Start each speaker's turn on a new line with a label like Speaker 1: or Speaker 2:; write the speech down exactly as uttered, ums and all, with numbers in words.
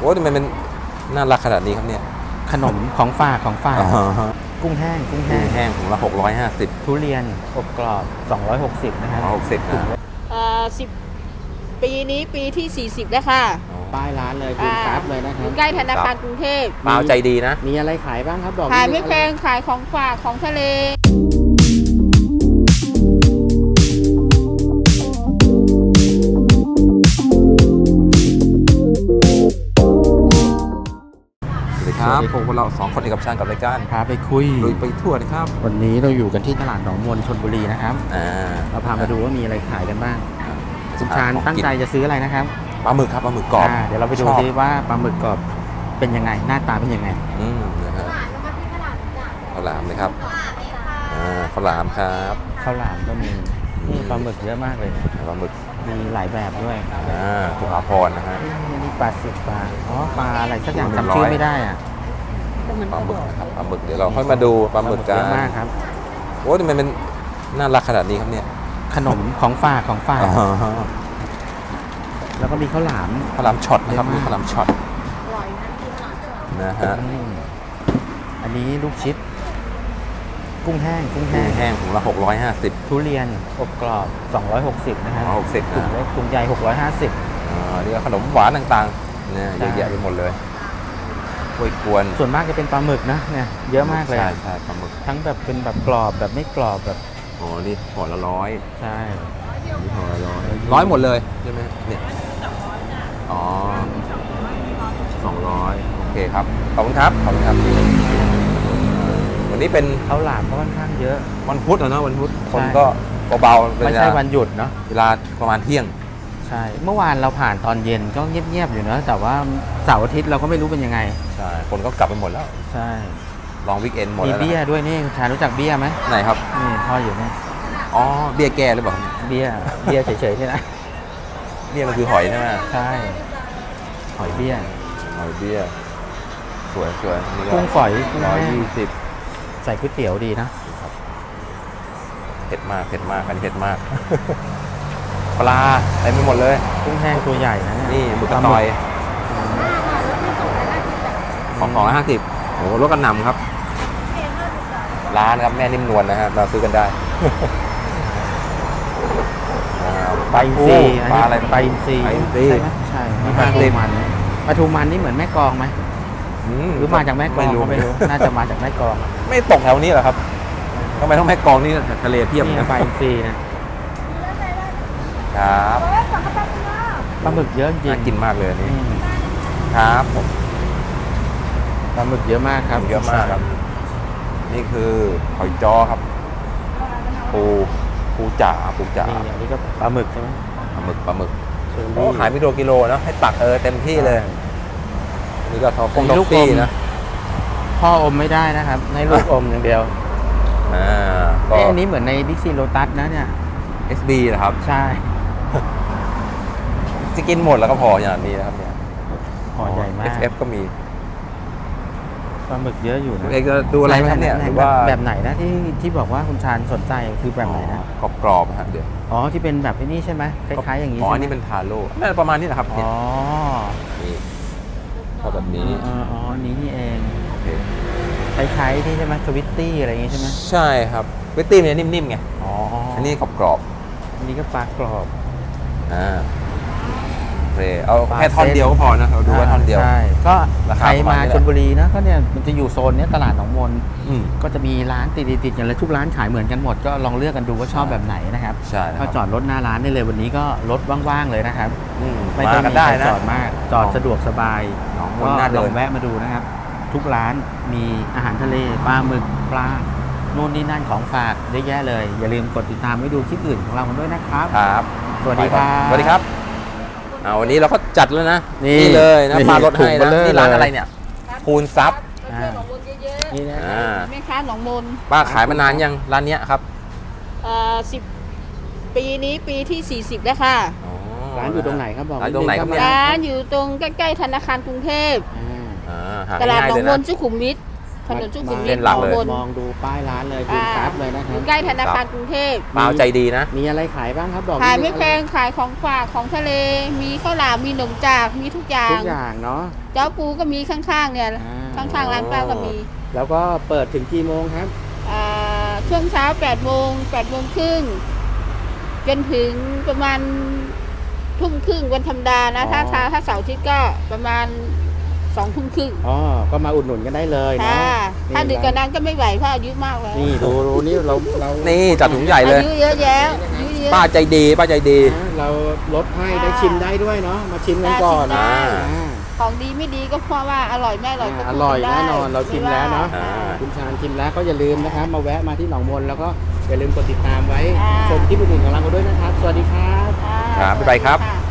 Speaker 1: อ้ทำไมมันน่ารักขนาดนี้ครับเนี่ย
Speaker 2: ขนมของฝากของฝากกุ้งแห้งกุ้งแห้ง
Speaker 1: แห้งถุงละหกร้อยห้าสิบ
Speaker 2: ทุเรียนอบกรอบสองร้อยหกสิบนะครับ
Speaker 1: หกสิบนะ
Speaker 3: เอ่อสิบปีนี้ปีที่สี่สิบแล้วค่ะ
Speaker 2: ป้ายร้านเลยคุณครับเลยนะครั
Speaker 3: บใกล้ธนาคารกรุงเทพ
Speaker 1: มาใจดีนะ
Speaker 2: มีอะไรขายบ้างครับบอก
Speaker 3: ขายไม่แพงขายของฝากของทะเล
Speaker 1: ครับพวกเราสองคนเอกชันกับรายการ
Speaker 2: พาไปคุย
Speaker 1: ลุยไปทั่วนะครับ
Speaker 2: วันนี้เราอยู่กันที่ตลาดหนองมนชลบุรีนะครับเราพามาดูว่ามีอะไรขายกันบ้างคุณชาญตั้งใจจะซื้ออะไรนะครับ
Speaker 1: ปลาหมึกครับปลาหมึกกรอบ
Speaker 2: เดี๋ยวเราไปดูซิว่าปลาหมึกกรอบเป็นยังไงหน้าตาเป็นยังไง
Speaker 1: อืมนะฮะข้าวหลามเลยครับอ่าข้าวหลามครับ
Speaker 2: ข้าวหลามก็มีนี่ปลาหมึกเยอะมากเลย
Speaker 1: ปลาหมึก
Speaker 2: มีหลายแบบด้วย
Speaker 1: อ่าสุภาพรนะฮะ
Speaker 2: นี่ปลาสิบปลาอ๋อปลาอะไรสักอย่างจำชื่อไม่ได้อ่ะ
Speaker 1: ปลาหมึกนะครับปลาหมึกเดี๋ยวเราค่อยมาดูปลาหมึกกันเย
Speaker 2: อะมากครับ
Speaker 1: โอ้ทำไมมันน่ารักขนาดนี้ครับเนี่ย
Speaker 2: ขนมของฝากของฝากแล้วก็มีข้าวหลาม
Speaker 1: ข้าวหลามช็อตนะครับมีข้าวหลามช็อตนะฮะ
Speaker 2: อันนี้ลูกชิดกุ้งแห้งกุ้งแห้ง
Speaker 1: แห้งถุงละหกร้อยห้าสิบ
Speaker 2: ทุเรียนอบกรอบสองร้อยหกสิบนะครับ
Speaker 1: หกสิบ
Speaker 2: ถุงเล็กถุงใหญ่หกร้อยห้าสิบ
Speaker 1: อ่านี่ขนมหวานต่างๆเนี่ยเยอะแยะไปหมดเลยกล้วยกวน
Speaker 2: ส่วนมากจะเป็นปลาหมึกนะเนี่ยเยอะมากเลย
Speaker 1: ใช่ใช่ปลาหมึก
Speaker 2: ทั้งแบบเป็นแบบกรอบแบบไม่กรอบแบบ
Speaker 1: อ๋อนี่ห่อละร้อย
Speaker 2: ใช่
Speaker 1: นี่ห่อละร้อยร้อยหมดเลยใช่ไหมเนี่ยอ๋อสองร้อยโอเคครับขอบคุณครับขอบคุณครับวันนี้เป็น
Speaker 2: ข้าวหลามก็ค่อนข้างเยอะ
Speaker 1: วันพุธนะวันพุธคนก็เบาๆ
Speaker 2: ไม่ใช่วันหยุดเนาะ
Speaker 1: เวลาประมาณเที่ยง
Speaker 2: ใช่เมื่อวานเราผ่านตอนเย็นก็เงียบๆอยู่นะแต่ว่าเสาร์อาทิตย์เราก็ไม่รู้เป็นยังไง
Speaker 1: ใช่คนก็กลับไปหมดแล้ว
Speaker 2: ใช่
Speaker 1: ลองวิกเอนหมดแล้ว
Speaker 2: มีเบี้ยด้วยนี่ชารู้จักเบี้ยไหม
Speaker 1: ไหนครับ
Speaker 2: นี่พ่ออยู่นี่
Speaker 1: อ๋อเบี้ยแก่หรือเปล่า
Speaker 2: เบี้ยเบี้ยเฉยๆนี่นะ
Speaker 1: เบี้ยมันคือหอยใช่ไหม
Speaker 2: ใช่หอยเบี้ย
Speaker 1: หอยเบี้ยสวยสวย
Speaker 2: กุ้งฝอย
Speaker 1: ร้อยยี่สิบ
Speaker 2: ใส่ก๋วยเตี๋ยวดีนะ
Speaker 1: เผ็ดมากเผ็ดมากกันเผ็ดมากปลาเต็มไปหมดเลย
Speaker 2: กุ้งแห้งตัวใหญ่นะ
Speaker 1: นี่หมึกกระต่อยของสองร้อยห้าสิบโอ้รถกระหน่ำครับร้านครับแม่นิ่มนวลนะฮะเราซื้อกันได้
Speaker 2: ปลาอินทรีปลาอะไรปลาอินทรีใช่ไหมใช่ปลาทูมันปลาทูมันนี่เหมือนแม่กลองไหมหรือมาจากแม่กลองไม่รู้น่าจะมาจากแม่กลอง
Speaker 1: ไม่ตกแถวนี้หรอครับทำไมต้องแม่กลองนี่ทะเลเพียบ
Speaker 2: นะปลาอินทรีนะครับปลาหมึกเยอะจริง
Speaker 1: น่ากินมากเลยนี่ครับผม
Speaker 2: ปลาหมึกเยอะมากครับ
Speaker 1: เยอะมากครับนี่คือหอยจ้อครับปูปูจ๋าปูจ๋า
Speaker 2: อันนี้ก็ปลาหมึกใช่ไหม
Speaker 1: ปลาหมึกปลาหมึกโอ้ขายมิโลกิโลเนาะให้ตักเออเต็มที่เลยนี่ก็ทอฟงลูกปี้นะ
Speaker 2: พ่ออมไม่ได้นะครับในลูกอมอย่างเดียว
Speaker 1: อ่าก็
Speaker 2: อันนี้เหมือนในบิ๊กซีโลตัสนะเนี่ย
Speaker 1: เอส บี เหรอครับ
Speaker 2: ใช่
Speaker 1: จะกินหมดแล้วก็พออย่างนี้นะครับเนี่ย
Speaker 2: ห่อใหญ่มาก
Speaker 1: เอส เอฟ ก็มี
Speaker 2: ปลาหมึกเยอะอยู่นะ
Speaker 1: เอกจะดูอะไรไหมเนี่ยหรือว่า
Speaker 2: แบบไหนนะที่ที่บอกว่าคุณชาญสนใจคือแบบไหนนะ
Speaker 1: กรอบๆฮะเดี๋ยว
Speaker 2: อ๋อที่เป็นแบบนี้ใช่ไหมคล้ายๆอย่างนี้
Speaker 1: อ๋อนี่เป็นทาโร่น่าจะประมาณนี้แหละครับ
Speaker 2: อ๋อ
Speaker 1: นี่พอแบบนี้
Speaker 2: อ๋อนี้นี่เองคล้ายๆที่ใช่ไหมสวิตตี้อะไรอย่างนี้ใช่ไหม
Speaker 1: ใช่ครับสวิตตี้มันนิ่มๆไงอ๋ออันนี้กรอบ
Speaker 2: ๆอันนี้ก็ปลากรอบ
Speaker 1: อ่าเอาแค่ท่อนเดียวก็พอนะเราดูว่าท่อนเดียว
Speaker 2: ใช่ก็ใครมาชลบุรีนะก็เนี่ยมันจะอยู่โซนนี้ตลาดหนองมนก็จะมีร้านติดๆกันเลยทุกร้านขายเหมือนกันหมดก็ลองเลือกกันดูว่าชอบแบบไหนนะครับ
Speaker 1: ใช่
Speaker 2: ก็จอดรถหน้าร้านได้เลยวันนี้ก็รถว่างๆเลยนะครับ
Speaker 1: ไม่ต้องมีใคร
Speaker 2: จอดมากจอดสะดวกสบาย
Speaker 1: ก็ลอง
Speaker 2: แวะมาดูนะครับทุกร้านมีอาหารทะเลปลาหมึกปลาโน่นนี่นั่นของฝากเยอะแยะเลยอย่าลืมกดติดตามไว้ดูคลิปอื่นของเราด้วยนะครับ
Speaker 1: ครับ
Speaker 2: สวัสดีครับ
Speaker 1: สวัสดีครับเอาวันนี้เราก็จัดแล้วนะนี่เลยนะมารถให้นะนี่ร้านอะไรเนี่ยคูณซับ
Speaker 3: นี่นะแม่ค้าหนองมน
Speaker 1: ป้าขายมานานยังร้านเนี้ยครับ
Speaker 3: เอ่อสิบปีนี้ปีที่สี่สิบแล้วค่ะ
Speaker 2: ร้านอยู่ตรงไหนครับบอก
Speaker 1: ร้านตรงไหนครับ
Speaker 3: ร้านอยู่ตรงใกล้ๆธนาคารกรุงเทพตลาดหนองมนสุขุมวิทถนนสุขุมวิ
Speaker 1: เส้
Speaker 3: ท
Speaker 1: นหลักเลย
Speaker 3: บน
Speaker 2: มองดูป้ายร้านเลยดู
Speaker 3: อ่า
Speaker 2: ซับเลยนะค
Speaker 3: อ
Speaker 2: รับ
Speaker 3: ยู่ใกล้ธนาคารกรุงเทพ
Speaker 1: ป้าเอาใจดีนะ
Speaker 2: มีอะไรขายบ้างครับบอก
Speaker 3: ขายไม่
Speaker 2: นิดนึง
Speaker 3: แพงขายของฝากของทะเล มีข้าวหลามมีขนมจากมีทุกอย่า
Speaker 2: ทุ
Speaker 3: ง
Speaker 2: กอย่างเนาะ
Speaker 3: เจ้าปูก็มีข้างๆเนี่ย
Speaker 2: อ่า
Speaker 3: ข้างๆร้านป้าก็มี
Speaker 2: แล้วก็เปิดถึงกี่โมงครับ
Speaker 3: อ่าช่วงเช้าแปดโมงแปดโมงครึ่งจนถึงประมาณทุ่มครึ่งวันธรรมดานะ ถ้าถ้าถ้าเสาร์อาทิตย์ก็ประมาณสองทุ่มครึ่ง
Speaker 2: อ๋อ ก็มาอุดหนุนกันได้เลยเนาะ
Speaker 3: ค่ะถ้าดึกกว่านั้นก็ไม่ไหวเพราะอายุมากแล้ว
Speaker 2: นี่ดูดูนี่เราเรา
Speaker 1: นี่จัดถุงใหญ่เลย
Speaker 3: อายุเยอะแยะอายุเยอะ
Speaker 1: ป้าใจดี ป้าใจดี
Speaker 2: นะเราลดให้
Speaker 3: ค่ะ
Speaker 2: ได้ชิมได้ด้วยเนาะ มาชิมกันก่อน
Speaker 3: ได้
Speaker 2: อ่า
Speaker 3: ของดีไม่ดีก็เพราะว่าอร่อยไม่อร่อยก็
Speaker 2: อ่า
Speaker 3: พูด
Speaker 2: อร่อย
Speaker 3: กั
Speaker 2: แน่
Speaker 3: ได้
Speaker 2: นอนเราชิมแล้วเนาะ
Speaker 1: อ่า
Speaker 2: คุณชาญชิมแล้วก็อย่าลืมนะครับ มาแวะมาที่หนองมนแล้วก็อย่าลืมกดติดตามไว้
Speaker 3: อ่า
Speaker 2: ชมที่บุญของเราด้วยนะครับ สวัสดีครับ
Speaker 3: อ่า
Speaker 1: ครับบ๊ายบายครับ
Speaker 3: สวัสดีะ